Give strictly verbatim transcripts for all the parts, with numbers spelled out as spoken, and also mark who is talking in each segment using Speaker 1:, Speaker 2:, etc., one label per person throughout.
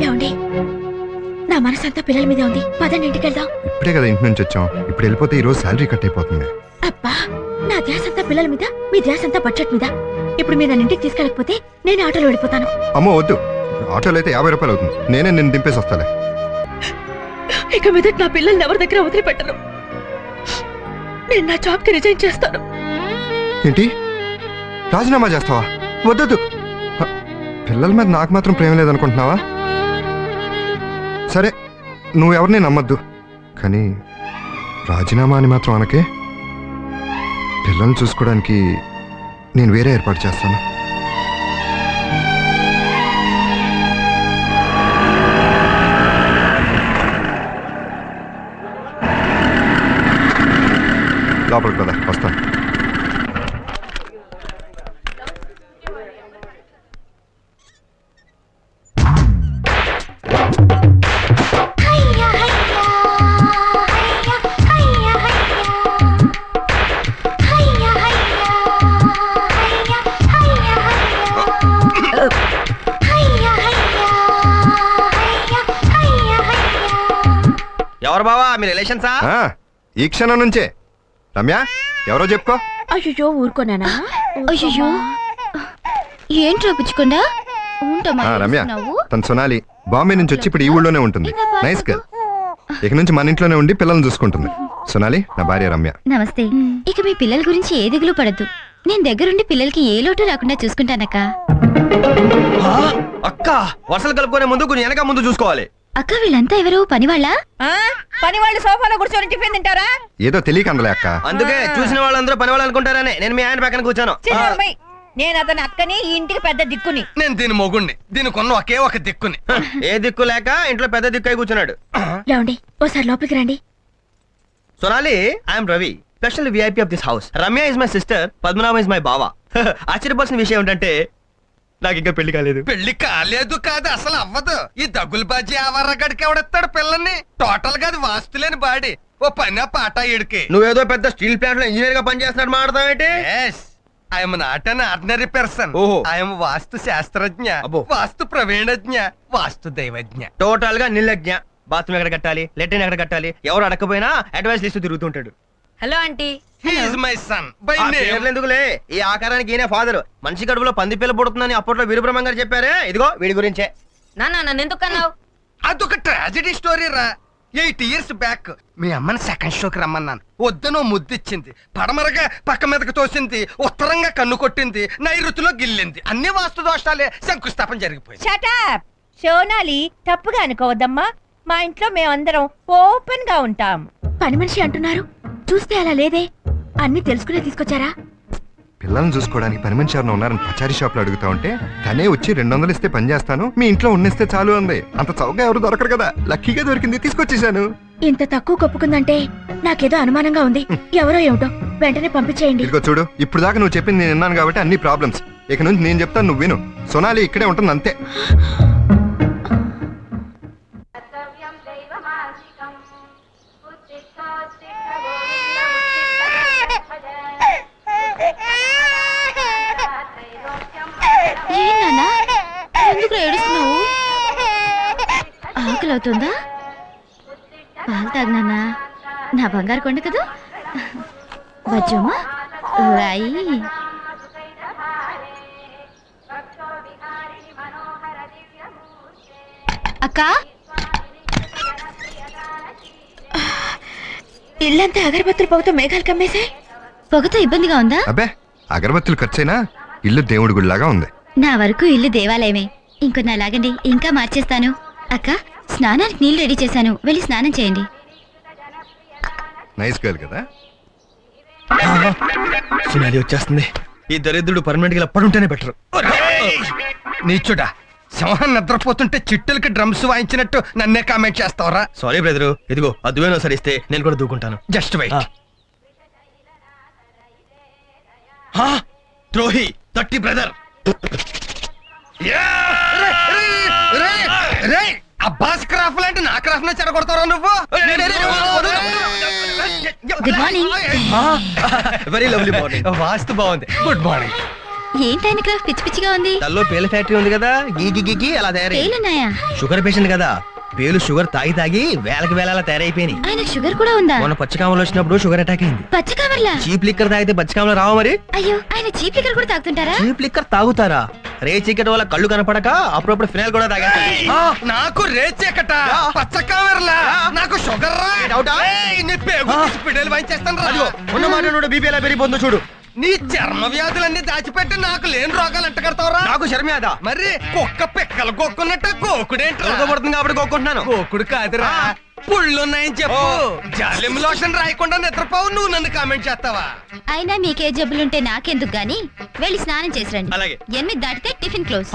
Speaker 1: ఏమండి, నా మనసంతా పిల్లల మీద ఉంది. పదండి ఇంటికి వెళ్దాం.
Speaker 2: ఇప్పుడే కదా ఇంటి నుంచి వచ్చాం. ఇప్పుడు వెళ్ళిపోతే ఈ రోజు శాలరీ కట్ అయిపోతుంది.
Speaker 1: అబ్బా, నా ధ్యాస అంతా పిల్లల మీద, మీ ధ్యాస అంతా బడ్జెట్ మీద. ఇప్పుడు మీరు నన్ను ఇంటికి తీసుకెళ్ళకపోతే నేను ఆటోలో వెళ్ళిపోతాను.
Speaker 2: అమ్మో వద్దు, ఆటోలో అయితే యాభై రూపాయలు అవుతుంది. నేనే నిన్ను దింపేసి వస్తాలే.
Speaker 1: ఇక మీద నా పిల్లల్ని ఎవరి దగ్గర వదిలిపెట్టను. నేను నా జాబ్ కి రిజైన్ చేస్తాను.
Speaker 2: ఏంటి, రాజీనామా చేస్తావా? వద్దొద్దు. హ, పిల్లల మీద నాకు మాత్రం ప్రేమ లేదనుకుంటున్నావా? సరే, నువ్వెవరిని నమ్మద్దు, కానీ రాజీనామా అని మాత్రం అనకే. పిల్లల్ని చూసుకోవడానికి నేను వేరే ఏర్పాటు చేస్తాను. లోపలికి కదా, వస్తాను.
Speaker 3: ఎవరు బావా, మీ రిలేషన్సా?
Speaker 2: ఈ క్షణం నుంచే. రమ్య, ఎవరో చెప్పుకో.
Speaker 1: అయ్యో ఊరుకోనానా?
Speaker 4: అయ్యో ఏంట్రా పుచ్చుకుండా
Speaker 2: రమ్య, తను సొనాలి. బాంబే నుంచి వచ్చి ఇప్పుడు ఈ ఊళ్ళోనే ఉంటుంది. Nice girl. ఇక నుంచి మన ఇంట్లోనే ఉండి పిల్లల్ని చూసుకుంటుంది. సొనాలి నా భార్య రమ్య.
Speaker 4: నమస్తే. ఇక మీ పిల్లల గురించి ఏ దిగులు పడద్దు. నేను దగ్గరుండి పిల్లలకి ఏ లోటు రాకుండా చూసుకుంటానక్క.
Speaker 3: అక్క, వర్షాలు కలుపుకునే ముందు కొంచెం వెనక ముందు చూసుకోవాలి.
Speaker 4: అక్క, వీళ్ళంతా ఎవరు? పనివాళ్ళ?
Speaker 1: పని వాళ్ళు సోఫాలో కూర్చొని టిఫిన్ తింటారా?
Speaker 2: ఏదో తెలియక అందలే అక్క.
Speaker 3: అందుకే చూసిన వాళ్ళందరూ పని వాళ్ళు అనుకుంటారని నేను మీ ఆయన పక్కన కూర్చాను.
Speaker 1: నేను అతని అక్కని, ఈ ఇంటికి పెద్ద దిక్కుని.
Speaker 5: నేను దీని మొగుణ్ణి, దీనికి ఉన్న ఒకే ఒక దిక్కుని.
Speaker 3: ఏ దిక్కు లేక ఇంట్లో పెద్ద దిక్కు అయి కూర్చున్నాడు.
Speaker 1: లేవండి, ఓసారి లోపలికి రండి.
Speaker 3: Sonali, I'm Ravi, special VIP of this house. Ramya is my sister, Padmanabham is my bava. ఆశ్చర్యపోవాల్సిన విషయం ఏంటంటే నాకు ఇంకా పెళ్లి కాలేదు.
Speaker 5: పెళ్లి కాలేదు కాదు, అసలు అవ్వదు. ఈ దగ్గులు బాజీ ఆవర్రగడికి ఎవడెత్తాడు పిల్లల్ని? టోటల్ గా అది వాస్తులేని బాడీ. ఓ పని పాట ఇడికి.
Speaker 3: నువ్వేదో పెద్ద స్టీల్ ప్లాంట్ లో ఇంజనీర్ గా పనిచేస్తున్నాడు మాట్లాడతావేంటి?
Speaker 5: I'm not an ordinary person.
Speaker 3: ఓహో.
Speaker 5: ఐఎమ్ వాస్తు శాస్త్రజ్ఞ, వాస్తు ప్రవీణజ్ఞ, వాస్తు దైవజ్ఞ.
Speaker 3: టోటల్ గా నిర్లజ్ఞ. బాత్రూమ్ ఎక్కడ కట్టాలి, లెట్రిన్ ఎక్కడ కట్టాలి, ఎవరు అడగకపోయినా అడ్వైస్ ఇస్తూ తిరుగుతుంటాడు.
Speaker 1: Hello aunty.
Speaker 5: He is my son. By name.
Speaker 3: ఎందుకులే, ఈ ఆకారానికి ఈయన ఫాదర్. మనిషి కడుపులో పంది పిల్ల పుడుతుందని అప్పట్లో వీరబ్రహ్మం గారు చెప్పారే. ఇదిగో వీడి గురించే.
Speaker 1: నాన్న, నన్ను ఎందుకు అన్నావు?
Speaker 5: అదొక ట్రాజెడీ స్టోరీ రా. ఎయిట్ ఇయర్స్ బ్యాక్ మీ అమ్మని సెకండ్ షోకి రమ్మన్నాను. వద్దనో ముద్దిచ్చింది, పడమరగా పక్క మీదకి తోసింది, ఉత్తరంగా కన్ను కొట్టింది, నైరుతిలో గిల్లింది. అన్ని వాస్తు దోషాలే. శంకుస్థాపన జరిగిపోయింది.
Speaker 1: షట్ అప్ సోనాలి, తప్పుగా అనుకోవద్దమ్మా. మా ఇంట్లో మేమందరం ఓపెన్ గా ఉంటాం. పని మనిషి అంటున్నారు, చూస్తే అలా లేదే. అన్ని తెలుసుకునే తీసుకొచ్చారా?
Speaker 2: పిల్లల్ని చూసుకోవడానికి పని మనిషి ఎవరైనా ఉన్నారని పచారీ షాప్ లో అడుగుతా ఉంటే తనే వచ్చి రెండు వందలు ఇస్తే పని చేస్తాను, మీ ఇంట్లో ఉన్నిస్తే చాలు అంది. అంత చౌకగా ఎవరు దొరకరు కదా, లక్కీగా దొరికింది, తీసుకొచ్చేసాను.
Speaker 1: ఇంత తక్కువ కప్పుకుందంటే నాకేదో అనుమానంగా ఉంది. ఎవరో ఏమిటో, వెంటనే పంపించేయండి.
Speaker 2: ఇదిగో చూడు, ఇప్పుడు దాకా నువ్వు చెప్పింది నేను విన్నాను కాబట్టి అన్ని ప్రాబ్లమ్స్. ఇక నుంచి నేను చెప్తాను, నువ్వు విను. సొనాలి ఇక్కడే ఉంటుంది అంతే.
Speaker 4: ఎందుకు ఏడుస్తున్నావు? ఆకలి అవుతుందా? పాలు తాగినానా? నా బంగారు కొండ కదా. బజ్జమ్మా రాయి. అక్క,
Speaker 1: ఇల్లంతా అగరబత్తులు పొగతో మేఘాలు కమ్మేశాయి.
Speaker 4: పొగతో ఇబ్బందిగా ఉందా?
Speaker 2: అబ్బే, అగరబత్తులు ఖర్చైనా ఇల్లు దేవుడి గుడిలాగా ఉంది.
Speaker 4: నా వరకు ఇల్లు దేవాలయమే. ఇంకొన్న లాగండి, ఇంకా మార్చేస్తాను. అక్క, స్నానానికి నీళ్లు రెడీ చేశాను, వెళ్ళి స్నానం చేయండి.
Speaker 2: నైస్ గర్ల్ కదా.
Speaker 3: సునాలి వచ్చేస్తుంది. ఈ దరిద్రుడు పర్మనెంట్ గా పడుంటేనే బెటర్.
Speaker 5: నీచుడా, సింహం నిద్రపోతుంటే చిట్టులకి డ్రమ్స్ వాయించినట్టు నన్నే కామెంట్ చేస్తావరా?
Speaker 3: సారీ బ్రదరు, ఇదిగో అదువేనో సరిస్తే నేను కూడా దూకుంటాను.
Speaker 5: Just wait.
Speaker 3: ద్రోహి, తట్టి బ్రదర్.
Speaker 5: అబ్బాస్ క్రాఫ్ లాంటి నా క్రాఫ్ నే చెడగొడతారా నువ్వు?
Speaker 4: Good morning.
Speaker 3: Very lovely morning.
Speaker 5: వాస్తు బాగుంది. Good morning.
Speaker 4: ఏంటైన క్రాఫ్ట్ పిచ్చి పిచ్చిగా ఉంది.
Speaker 3: తల్లో పేల ఫ్యాక్టరీ ఉంది కదా, గీకి గీకి అలా తయారై.
Speaker 4: పేలున్నాయా?
Speaker 3: షుగర్ పేషెంట్ కదా, పేలు షుగర్ తాగి తాగి వేలకి వేల అలా తయారైపోయినాయి.
Speaker 4: ఆయనకు షుగర్ కూడా ఉందా?
Speaker 3: మొన్న పచ్చకామలు వచ్చినప్పుడు షుగర్ అటాక్ అయింది.
Speaker 4: పచ్చకామర్లా?
Speaker 3: చీప్ లిక్కర్ తాగితే పచ్చకామలు రావా మరి?
Speaker 4: అయ్యో, ఆయన చీప్ లిక్కర్ కూడా తాగుతుంటారా?
Speaker 3: చీప్ లిక్కర్ తాగుతారా? రే చీకటి వల్ల కళ్ళు కనపడక అప్పుడప్పుడు ఫినాయిల్ కూడా తాగేస్తారు.
Speaker 5: ఆ, నాకు రేచెక్కట పచ్చ కామెరలా నాకు షుగర్ రా.
Speaker 3: డౌటా?
Speaker 5: ఏయ్, నీ పేగు తీసి పిడేలు వాయించేస్తాను రా.
Speaker 3: ఉన్న మాట బీపీ ఎలా పెరిగిపోతుందో చూడు.
Speaker 5: నీ చర్మ వ్యాధులన్నీ దాచిపెట్టి నాకు లేని రోగాలు అంట కడతావురా.
Speaker 3: నాకు శర్మేద
Speaker 5: మరి కుక్క పిక్కలు కొక్కున్నట్టు కోకుడేంటి
Speaker 3: పడుతుంది కాబట్టి కోరుకుంటున్నాను.
Speaker 5: కోకుడు కాదురా, పుళ్ళున్నాయని చెప్పు. జాలిం లోషన్ రాయకుండా నిద్రపోవు, నువ్వు నన్ను కామెంట్ చేస్తావా?
Speaker 4: అయినా మీకే జబ్బులుంటే నాకెందుకు గాని వెళ్ళి స్నానం చేసి రండి.
Speaker 3: అలాగే.
Speaker 4: ఎనిమిది దాటితే టిఫిన్ క్లోజ్.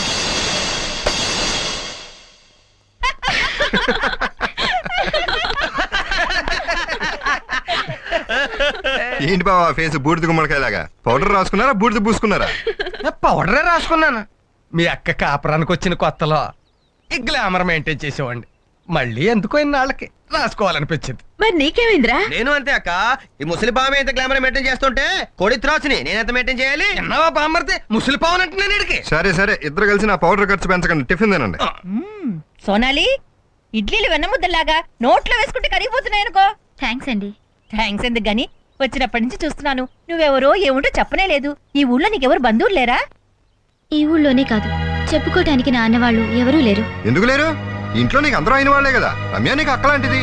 Speaker 2: ఏంటి బావా ఫేస్ బూడిద గుమ్మడికాయలాగా? పౌడర్ రాసుకున్నారా బూడిద పూసుకున్నారా?
Speaker 5: పౌడరే రాసుకున్నాను. మీ అక్క కాపురానికి వచ్చిన కొత్తలో ఈ గ్లామర్ మెయింటైన్ చేసేవాడిని. మళ్ళీ ఎందుకో ఇన్నాళ్ళకి రాసుకోవాలనిపించింది.
Speaker 1: మరి నీకేమైందిరా?
Speaker 3: నేను అంతే అక్క. ఈ ముసలి పాము ఎంత గ్లామర్ మెయింటైన్ చేస్తుంటే కోడి త్రాసుని నేను ఎంత మెయింటైన్ చేయాలి?
Speaker 5: ఎన్నవా బామ్మర్ది ముసలి పావును అంటే నేను ఇడికి.
Speaker 2: సరే సరే ఇద్దరు కలిసి నా పౌడర్ ఖర్చు పెంచకండి, టిఫిన్ తినండి.
Speaker 1: మ్మ్. సోనాలి, ఇడ్లీలు వెన్నముద్దలాగా నోట్లో వేసుకుంటే కరిగిపోతున్నాయి అనుకో.
Speaker 4: థ్యాంక్స్ అండి.
Speaker 1: థ్యాంక్స్ ఎందుకు గాని, వచ్చినప్పటి నుంచి చూస్తున్నాను నువ్వెవరో ఏముంటో చెప్పనే లేదు. ఈ ఊళ్ళో నీకెవరు బంధువులు లేరా?
Speaker 4: ఈ ఊళ్ళోనే కాదు, చెప్పుకోటానికి నా అన్నవాళ్ళు ఎవరూ లేరు.
Speaker 2: ఎందుకు లేరు? ఇంట్లో నీకు అందరూ అయిన వాళ్ళే కదా. రమ్య నీకు అక్కలాంటిది.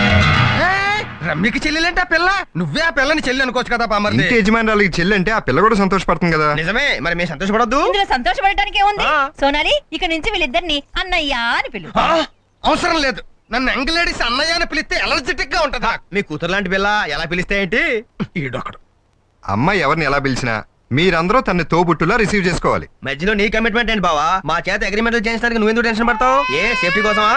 Speaker 5: ఏయ్, రమ్యకి చెల్లెలంటే ఆ పిల్ల, నువ్వే ఆ పిల్లని చెల్లి అనుకోవచ్చు కదా బామ్మర్ది.
Speaker 2: ఇంటి యజమానురాలకి చెల్లి అంటే ఆ పిల్ల కూడా సంతోషపడుతుంది కదా.
Speaker 3: నిజమే, మరి మేము సంతోషపడద్దు?
Speaker 1: ఇందులో సంతోషపడటానికి ఏముంది?
Speaker 3: ఆ.
Speaker 1: సోనాలి, ఇక నుంచి వీళ్ళిద్దరిని అన్నయ్య అని పిలు.
Speaker 5: ఆ, అవసరం లేదు. నన్ను ఎంగలేడీస్ అన్నయ్య అని పిలిస్తే ఎలర్జెటిక్ గా ఉంటదా?
Speaker 3: మీ కూతురు లాంటి పిల్ల ఎలా పిలిస్తే ఏంటి?
Speaker 5: ఈడొకడు.
Speaker 2: అమ్మాయి ఎవరిని ఎలా పిలిచినా మీరందరూ తన్ని తోబుట్టులా రిసీవ్ చేసుకోవాలి.
Speaker 3: మధ్యలో నీ కమిట్మెంట్ ఏంటి బావా? మా చేత అగ్రిమెంట్లు చేయించడానికి నువ్వెందుకు టెన్షన్ పడతావు? ఏ సేఫ్టీ కోసమా?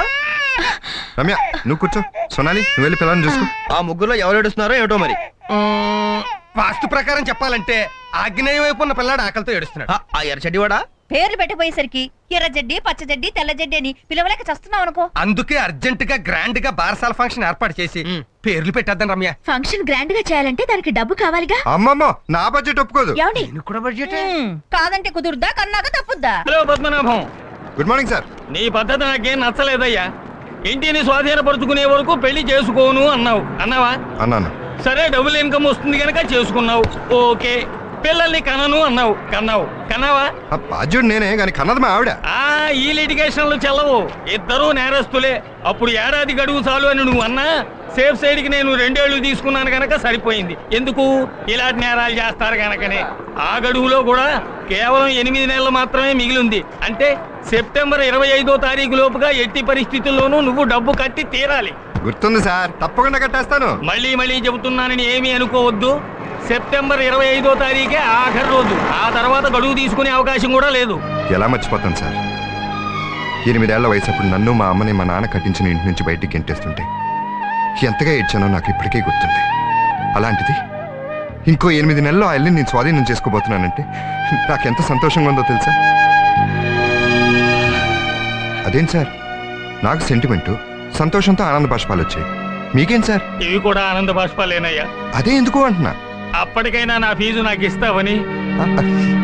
Speaker 2: రమ్య నువ్వు కూర్చో, సోనాలి నువ్వు వెళ్ళి పిల్లల్ని చూసుకో.
Speaker 3: ఆ ముగ్గురులో ఎవరు ఏడుస్తున్నారో ఏమిటో మరి.
Speaker 5: మ్మ్, వాస్తు ప్రకారం చెప్పాలంటే ఆగ్నేయ వైపు ఉన్న పిల్లాడు ఆకలితో ఏడుస్తున్నాడు.
Speaker 3: ఆ, ఆ ఎర్ర చెడ్డివాడా?
Speaker 1: పేర్లు పెట్టిపోయేసరికి ఎర్ర జడ్డి పచ్చ జడ్డి తెల్ల జడ్డి అని పిలవలేక చస్తున్నావు అనుకో.
Speaker 5: అందుకే అర్జెంట్ గా గ్రాండ్ గా బారసాల ఫంక్షన్ ఏర్పాటు చేసి
Speaker 3: మ్.
Speaker 5: పేర్లు పెట్టేద్దాం రమ్య.
Speaker 1: ఫంక్షన్ గ్రాండ్ గా చేయాలంటే దానికి డబ్బు కావాలిగా.
Speaker 2: అమ్మమ్మో నా బడ్జెట్ ఒప్పుకోదు.
Speaker 1: ఏమండి?
Speaker 5: నేను కూడా బడ్జెట్.
Speaker 1: మ్మ్. కాదంటే కుదురుద్దా, కన్నాక తప్పుద్దా?
Speaker 6: Hello Padmanabham,
Speaker 2: good morning sir.
Speaker 6: నీ పద్ధతి నాకేం నచ్చలేదయ్యా. ఇంటిని స్వాధీనపరుచుకునే వరకు పెళ్లి చేసుకోను అన్నావు, అన్నావా?
Speaker 2: అన్నాను.
Speaker 6: సరే, డబుల్ ఇన్కమ్ వస్తుంది కనుక చేసుకున్నావు, ఓకే. పిల్లల్ని కనను అన్నావు, కన్నావు, కన్నావా?
Speaker 2: ఆ బాధ్యుడు నేనే కానీ కన్నది మా ఆవిడ.
Speaker 6: ఆ ఈ లిటిగేషన్లు చెల్లవు, ఇద్దరూ నేరస్తులే. అప్పుడు ఏడాది గడువు చాలు అని నువ్వు అన్నా సేఫ్ సైడ్ కి నేను రెండేళ్లు తీసుకున్నాను గనక సరిపోయింది. ఎందుకు? ఇలాంటి నేరాలు చేస్తారు గనకనే. ఆ గడువులో కూడా కేవలం ఎనిమిది నెలలు మాత్రమే మిగిలింది. అంటే సెప్టెంబర్ ఇరవై ఐదో తారీఖు లోపుగా ఎట్టి పరిస్థితుల్లోనూ నువ్వు డబ్బు కట్టి తీరాలి.
Speaker 2: గుర్తుంది సార్, తప్పకుండా కట్టేస్తాను.
Speaker 6: మళ్ళీ మళ్ళీ చెబుతున్నానని ఏమీ అనుకోవద్దు. సెప్టెంబర్ ఇరవై ఐదో తారీఖే ఆఖరి రోజు. ఆ తర్వాత గడువు తీసుకునే అవకాశం కూడా లేదు.
Speaker 2: ఎలా మర్చిపోతాను సార్? ఎనిమిదేళ్ల వయసు అప్పుడు నన్ను మా అమ్మని మా నాన్న కట్టించిన ఇంటి నుంచి బయటికి గెంటేస్తుంటే ఎంతగా ఏడ్చానో నాకు ఇప్పటికే గుర్తుంది. అలాంటిది ఇంకో ఎనిమిది నెలల్లో ఆ ఇల్లు నేను స్వాధీనం చేసుకోబోతున్నానంటే నాకెంత సంతోషంగా ఉందో తెలుసా? అదేం సార్, నాకు సెంటిమెంటు, సంతోషంతో ఆనంద బాష్పాలు వచ్చాయి. మీకేం సార్?
Speaker 6: ఇవి కూడా ఆనంద బాష్పాలేనయ్యా.
Speaker 2: అదే ఎందుకు అంటున్నా.
Speaker 6: అప్పటికైనా నా ఫీజు నాకు ఇస్తావని.
Speaker 2: ఆ, ఆ.